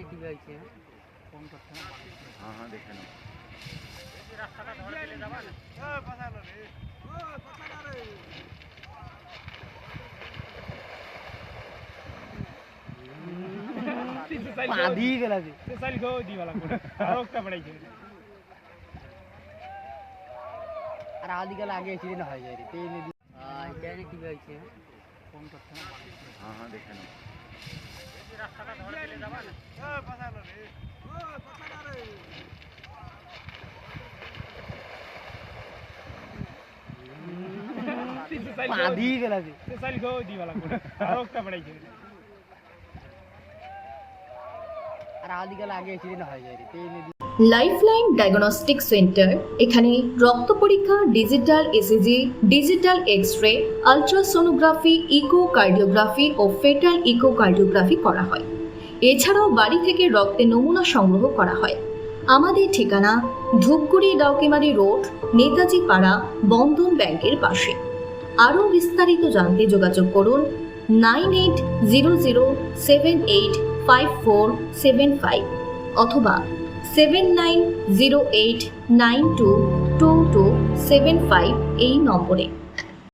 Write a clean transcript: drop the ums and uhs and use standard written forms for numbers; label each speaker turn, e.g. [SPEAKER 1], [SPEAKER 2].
[SPEAKER 1] কি হয়েছে ফোন করতে
[SPEAKER 2] हाँ हाँ देखे ना
[SPEAKER 1] পাদি গেলা যে
[SPEAKER 3] সাইল গো দিবালা কোন আরোকটা পড়াইছে
[SPEAKER 1] আর আদি গেলা আগে এসে না হয়ে যায় রে তেল দি কেন কি হয়েছে ফোন করতে
[SPEAKER 2] हाँ हाँ देखे ना
[SPEAKER 3] রাস্তাটা ধরে দিলে যাবা না পাছালো রে পাছালো রে
[SPEAKER 1] পাদি গেলা যে
[SPEAKER 3] সাইল গো দিবালা কোন আরোকটা পড়াইছে
[SPEAKER 1] আর আদি গেলা আগে এসে না হয়ে যায় রে তেল দি
[SPEAKER 4] লাইফলাইন ডায়াগনস্টিক সেন্টার এখানে রক্ত পরীক্ষা, digital ECG, digital x-ray, ultrasonography, echocardiography ও ফেটাল ইকোকার্ডিওগ্রাফি করা হয়। এছাড়াও বাড়ি থেকে রক্তের নমুনা সংগ্রহ করা হয়। আমাদের ঠিকানা ধূপগুড়ি ডাউকিমারি রোড, নেতাজি পাড়া, বন্ধন ব্যাংকের পাশে। আরও বিস্তারিত জানতে যোগাযোগ করুন 9807854755 অথবা 7908922275 এই নম্বরে।